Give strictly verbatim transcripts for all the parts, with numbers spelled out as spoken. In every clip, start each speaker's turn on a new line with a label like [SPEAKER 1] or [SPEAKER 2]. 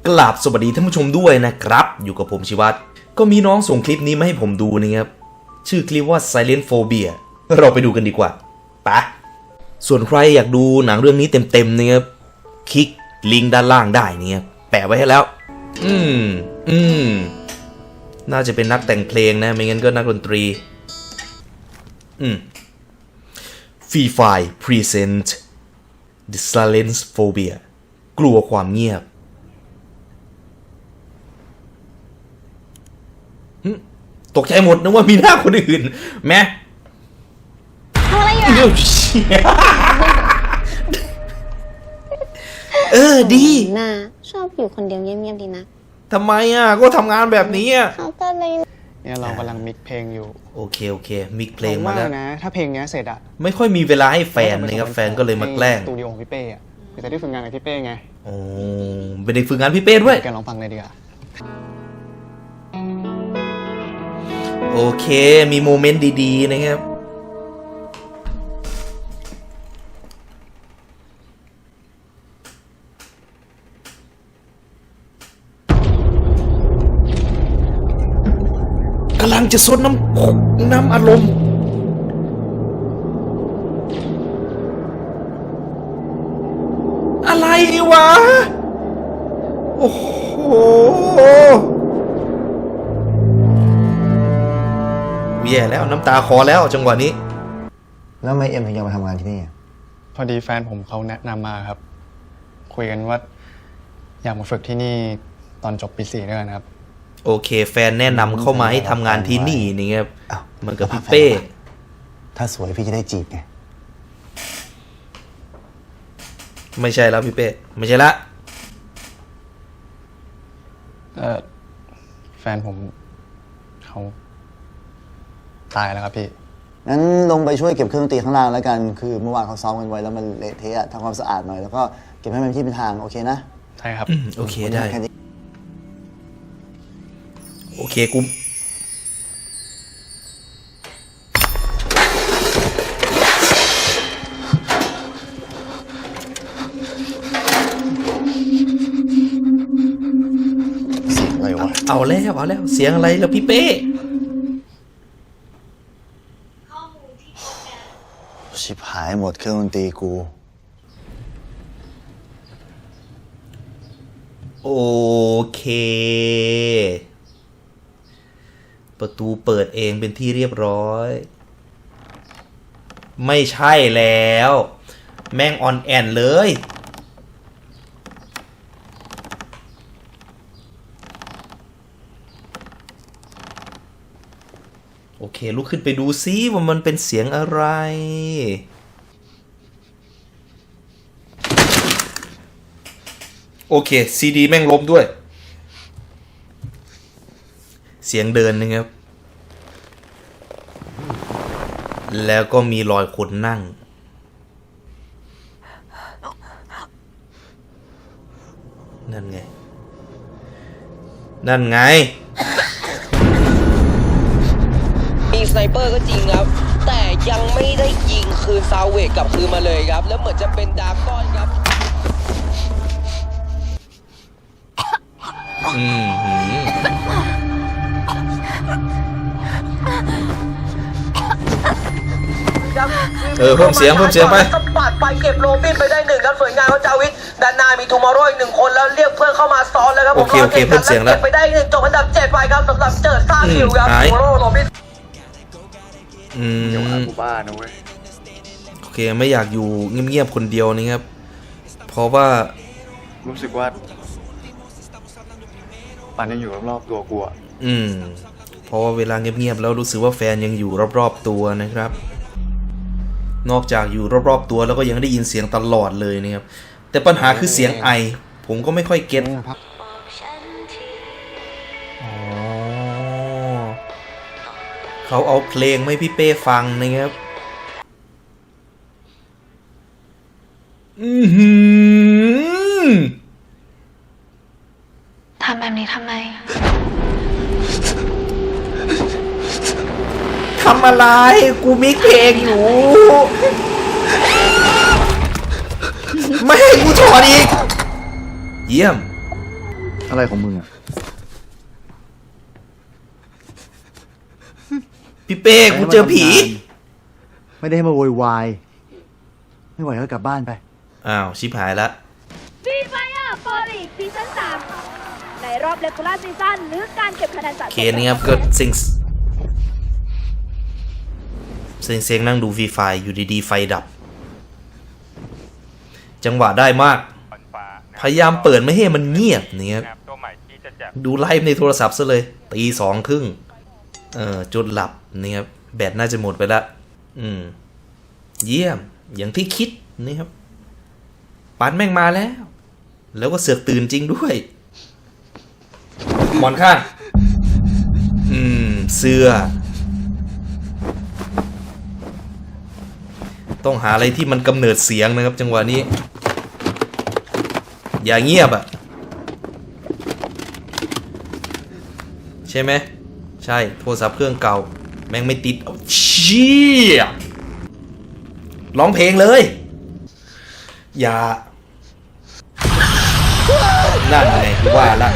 [SPEAKER 1] กราบสวัสดีท่านผู้ชมด้วยนะครับอยู่กับผมชิวัตรก็มีน้องส่งคลิปนี้มาให้ผมดูนะครับชื่อคลิปว่า Silent Phobia เราไปดูกันดีกว่าไปส่วนใครอยากดูหนังเรื่องนี้เต็มๆนะครับคลิกลิงก์ด้านล่างได้เนี่ยแปะไว้ให้แล้วอืมอืมน่าจะเป็นนักแต่งเพลงนะไม่งั้นก็นักดนตรีอืมฟรีไฟล์ Present The Silent Phobia กลัวความเงียบตกใจหมดนึกว่ามีหน้าคนอื่นแม่
[SPEAKER 2] ทำอะไรอยู่
[SPEAKER 1] เออดี
[SPEAKER 2] น่าชอบอยู่คนเดียวเงียบๆดีนะ
[SPEAKER 1] ทำไมอ่ะก็ทำงานแบบนี้อ่ะ
[SPEAKER 2] เขาก็เลย
[SPEAKER 3] เนี่ยเรากำลังมิกเพลงอยู่
[SPEAKER 1] โอเคโอเคมิกเพลงมาแล้ว
[SPEAKER 3] นะถ้าเพลงนี้เสร็จอะ
[SPEAKER 1] ไม่ค่อยมีเวลาให้แฟนนะครับแฟนก็เลยมาแกล้ง
[SPEAKER 3] สตูดิโอของพี่เป้อะจะได้ฝึกงานกับพี่เป้ไง
[SPEAKER 1] โอ้เป็นเด็กฝึกงานพี่เป้ด้วย
[SPEAKER 3] แกลองฟังเลยดีกว่า
[SPEAKER 1] โอเคมีโมเมนต์ดีๆนะครับกำลังจะซดน้ำน้ำอารมณ์อะไรวะโอ้โหแย่แล้วน้ำตาคอแล้วจังหวะนี้
[SPEAKER 4] แล้วไม่เอ็มถึงยังมาทำงานที่นี่
[SPEAKER 3] พอดีแฟนผมเขาแนะนำมาครับคุยกันว่าอยากมาฝึกที่นี่ตอนจบปีสี่ด้วยกันครับ
[SPEAKER 1] โอเคแฟนแนะนำเข้ามาให้ทำงานที่นี่นี่ครับมันกับพี่เป้
[SPEAKER 4] ถ้าสวยพี่จะได้จีบไง
[SPEAKER 1] ไม่ใช่แล้วพี่เป้ไม่ใช่ละ
[SPEAKER 3] เออแฟนผมเขาตายแล้วครับพี่
[SPEAKER 4] งั้นลงไปช่วยเก็บเครื่องดนตรีข้างล่างแล้วกันคือเมื่อวานเขาซ้อมกันไว้แล้วมันเละเทะทำความสะอาดหน่อยแล้วก็เก็บให้มันที่เป็นทางโอเคนะ
[SPEAKER 3] ใช่ครับ
[SPEAKER 1] โอเคได้โอเคกู
[SPEAKER 4] อะไรวะ
[SPEAKER 1] เอาแล้วเอาแล้วเสียงอะไรแล้วพี่เป้
[SPEAKER 4] ชิบหายหมดเครื่องดนตรีกู
[SPEAKER 1] โอเคประตูเปิดเองเป็นที่เรียบร้อยไม่ใช่แล้วแม่งออนแอนเลยโอเคลุกขึ้นไปดูซิว่ามันเป็นเสียงอะไรโอเคซีดีแม่งล้มด้วยเสียงเดินนะครับแล้วก็มีรอยคนนั่งนั่นไงนั่นไง
[SPEAKER 5] มีสไนเปอร์ก็จริงครับแต่ยังไม่ได้ยิงคืนซาวเวกกลับคืนมาเลยครับแล้วเหมือนจะเป็นดาร์กอนครับ
[SPEAKER 1] อืมเออเพิ่มเสียงเพิ่มเสียงไป
[SPEAKER 5] สปัดไปเก็บโรบินไปได้หนึ่งครับสวยงามครับจาวิทด้านหน้ามีทูมอร์โรอีกหนึ่งคนแล้วเรียกเพื่อนเข้ามาซ้อนแล้วครับผม
[SPEAKER 1] โอเคโอเคเพิ่มเสียงแล้ว
[SPEAKER 5] เก็บไปได้หนึ่งจบอันดับเจ็ดไปครับสำหรับเจิดท่าคิวครับทูมอร์โรโรบิน
[SPEAKER 1] อืม
[SPEAKER 3] เดี๋ยวอากูบ้านะเว้ย
[SPEAKER 1] โอเคไม่อยากอยู่เงียบๆคนเดียวนี่ครับเพราะว่า
[SPEAKER 3] รู้สึกว่าปันยังอยู่รอบๆตัวกูอ่ะ
[SPEAKER 1] อืมเพราะว่าเวลาเงียบๆแล้วรู้สึกว่าแฟนยังอยู่รอบๆตัวนะครับนอกจากอยู่รอบๆตัวแล้วก็ยังได้ยินเสียงตลอดเลยนะครับแต่ปัญหาคือเสียงไอผมก็ไม่ค่อยเก็ตอ๋อเขาเอาเพลงให้พี่เป้ฟังนะครับอือหือ
[SPEAKER 2] ทำแบบนี้ทำไม
[SPEAKER 1] ทำอะไรกูมิกเพลงอยู่ไม่ให้กูถอดอีกเยี่ยม
[SPEAKER 4] อะไรของมึงอ่ะ
[SPEAKER 1] พี่เป้กูเจอผี
[SPEAKER 4] ไม่ได้ให้มาโวยวาย ไม่ไหวก็กลับบ้านไป
[SPEAKER 1] อ้าว ชิบหายละ
[SPEAKER 6] ฟรีไฟร์ฟอร์อีกซีซั่นสามในรอบเลกูล่าซีซั่นหรือการเก็บคะแนนสะสม
[SPEAKER 1] เคนี่ครับก็เซ็งเซ็งเซ็งนั่งดูฟรีไฟอยู่ดีๆไฟดับ จังหวะได้มาก พยายามเปิดไม่ให้มันเงียบนี่ครับดูไลฟ์ในโทรศัพท์ซะเลยตีสองครึ่งเออจนหลับนี่ครับแบตน่าจะหมดไปละอืม เยี่ยมอย่างที่คิดนี่ครับปันแม่งมาแล้ว แล้วก็เสือกตื่นจริงด้วยหมอนข้าง อืม เสื้อ ต้องหาอะไรที่มันกำเนิดเสียงนะครับ จังหวะนี้ อย่าเงียบอ่ะ ใช่ไหม ใช่โทรศัพท์เครื่องเก่า แม่งไม่ติดเอาเชี่ยร้องเพลงเลย อย่า นั่นไงว่าละ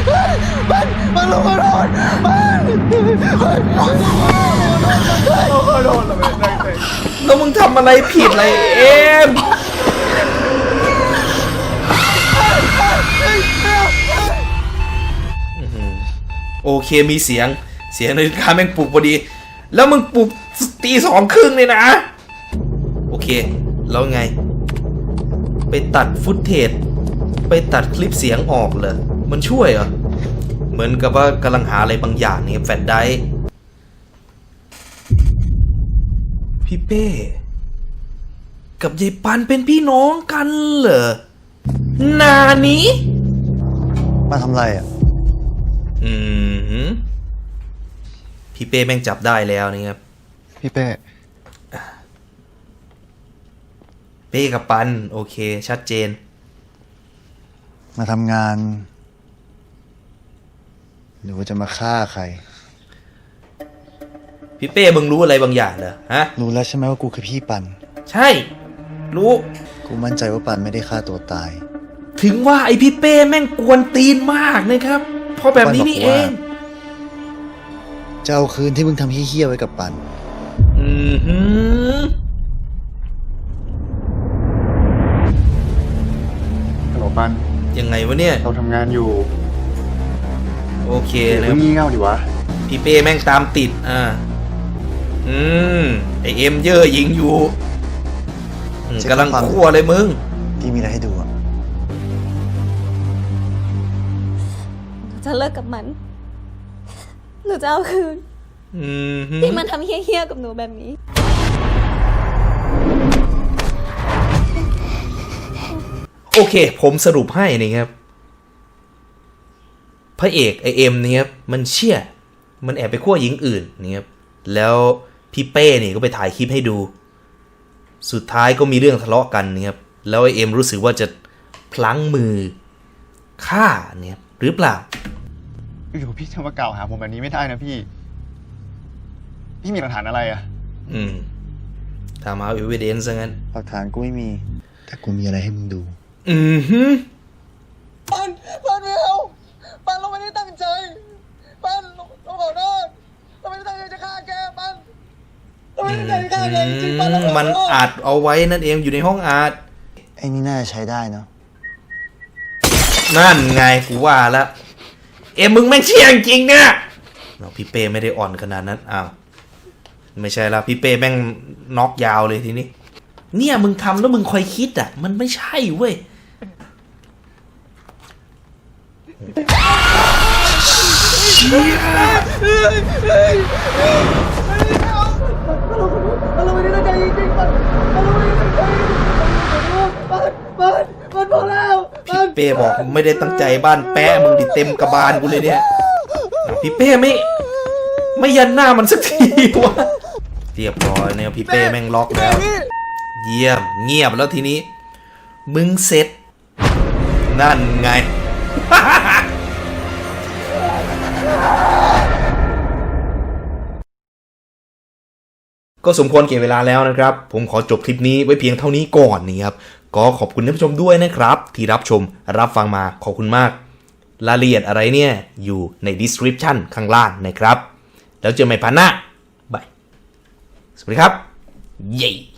[SPEAKER 1] แล้วมึงทำอะไรผิดอะไรเอ็มโอเคมีเสียงเสียงนาฬิกาแม่งปลุกพอดี แล้วมึงปลุกตีสองครึ่งเลยนะ โอเคแล้วไง ไปตัดฟุตเทจไปตัดคลิปเสียงออกเลยมันช่วยเหรอ เหมือนกับว่ากำลังหาอะไรบางอย่างนี่แฟลชไดรฟ์พี่เป้กับยายปันเป็นพี่น้องกันเหรอนานี้
[SPEAKER 4] มาทำไรอ่ะ
[SPEAKER 1] อืมพี่เป้แม่งจับได้แล้วนี่ครับ
[SPEAKER 3] พี่เป้
[SPEAKER 1] เป้กับปันโอเคชัดเจน
[SPEAKER 4] มาทำงาน หรือว่าจะมาฆ่าใคร
[SPEAKER 1] พี่เป้มึงรู้อะไรบางอย่างเหรอฮะ
[SPEAKER 4] รู้แล้วใช่ไหมว่ากูคือพี่ปัน
[SPEAKER 1] ใช่รู้
[SPEAKER 4] กูมั่นใจว่าปันไม่ได้ฆ่าตัวตาย
[SPEAKER 1] ถึงว่าไอพี่เป้แม่งกวนตีนมากนะครับเพราะแบบนี้นี่เอง
[SPEAKER 4] จะเอาคืนที่มึงทำเฮี้ยๆไว้กับปัน
[SPEAKER 1] อือหือ
[SPEAKER 3] ฮัลโหลปัน
[SPEAKER 1] ยังไงวะเนี่ย
[SPEAKER 3] เราทำงานอยู่
[SPEAKER 1] โอเค
[SPEAKER 3] อย่า
[SPEAKER 1] นะ
[SPEAKER 3] เพิ่งงี่เง่าดิวะ
[SPEAKER 1] พี่เป้แม่งตามติดอ่าอืมไอเอ็มเย่อหญิงอยู่อืมกำลังคั่วเลยมึง
[SPEAKER 4] ที่มีอะไรให้ดูอ่ะ
[SPEAKER 2] หนูจะเลิกกับมัน หนูจะเอาคืน
[SPEAKER 1] อืมหือ
[SPEAKER 2] ที่มันทำเฮี้ยๆกับหนูแบบนี้
[SPEAKER 1] โอเค ผมสรุปให้นะครับพระเอกไอเอ็มเนี่ยครับมันเชี่ยมันแอบไปคั่วหญิงอื่นนะครับแล้วพี่เป้นี่ก็ไปถ่ายคลิปให้ดู สุดท้ายก็มีเรื่องทะเลาะกันนะครับแล้วไอเอ็มรู้สึกว่าจะพลั้งมือฆ่าเนี่ยหรือเปล่า
[SPEAKER 3] อยู่พี่จะมากล่าวหาผมแบบนี้ไม่ได้นะพี่ พี่มีหลักฐานอะไรอะ
[SPEAKER 1] อืมทำเอาเอวิเดนซ์ซะงั้น
[SPEAKER 4] หลักฐานกูไม่มี แต่กูมีอะไรให้มึงดู
[SPEAKER 1] อือฮึ
[SPEAKER 7] ปันปันไม่เอาปันเราไม่ได้ตั้งใจปันเราเราขอโทษเราไม่ได้ตั้งใจจะฆ่าแกปันเราไม่ได้ตั้งใจจะฆ่าแกจริงๆปันเราขอโทษ
[SPEAKER 1] มันอัดเอาไว้นั่นเองอยู่ในห้องอัด
[SPEAKER 4] ไอ้นี่น่าจะใช้ได้เนาะ
[SPEAKER 1] นั่นไงกูว่าแล้วเอ็มมึงแม่งเชี่ยงจริงเนี่ยเราพี่เป้ไม่ได้อ่อนขนาดนั้นอ้าวไม่ใช่ละพี่เป้แม่งน็อกยาวเลยทีนี้เนี่ยมึงทำแล้วมึงคอยคิดอ่ะมันไม่ใช่เว้ยเชี่ย
[SPEAKER 7] เราไม่ได้ตั้งใจจริงๆปันเราไม่ได้ตั้งใจปันปันปันพอแล้วปัน
[SPEAKER 1] พี่เป้บอกไม่ได้ตั้งใจบ้านแปะมึงดิเต็มกระบาลกูเลยเนี่ยพี่เป้ไม่ไม่ยันหน้ามันสักทีวะเรียบร้อยเนี่ยพี่เป้แม่งล็อกแล้วเยี่ยมเงียบแล้วทีนี้มึงเสร็จนั่นไง ก็สมควรเก็บเวลาแล้วนะครับ ผมขอจบคลิปนี้ไว้เพียงเท่านี้ก่อนนี่ครับก็ขอบคุณท่านผู้ชมด้วยนะครับ ที่รับชมรับฟังมาขอบคุณมากรายละเอียดอะไรเนี่ยอยู่ใน description ข้างล่างนะครับ แล้วเจอกันใหม่พันหน้าบาย สวัสดีครับ เย้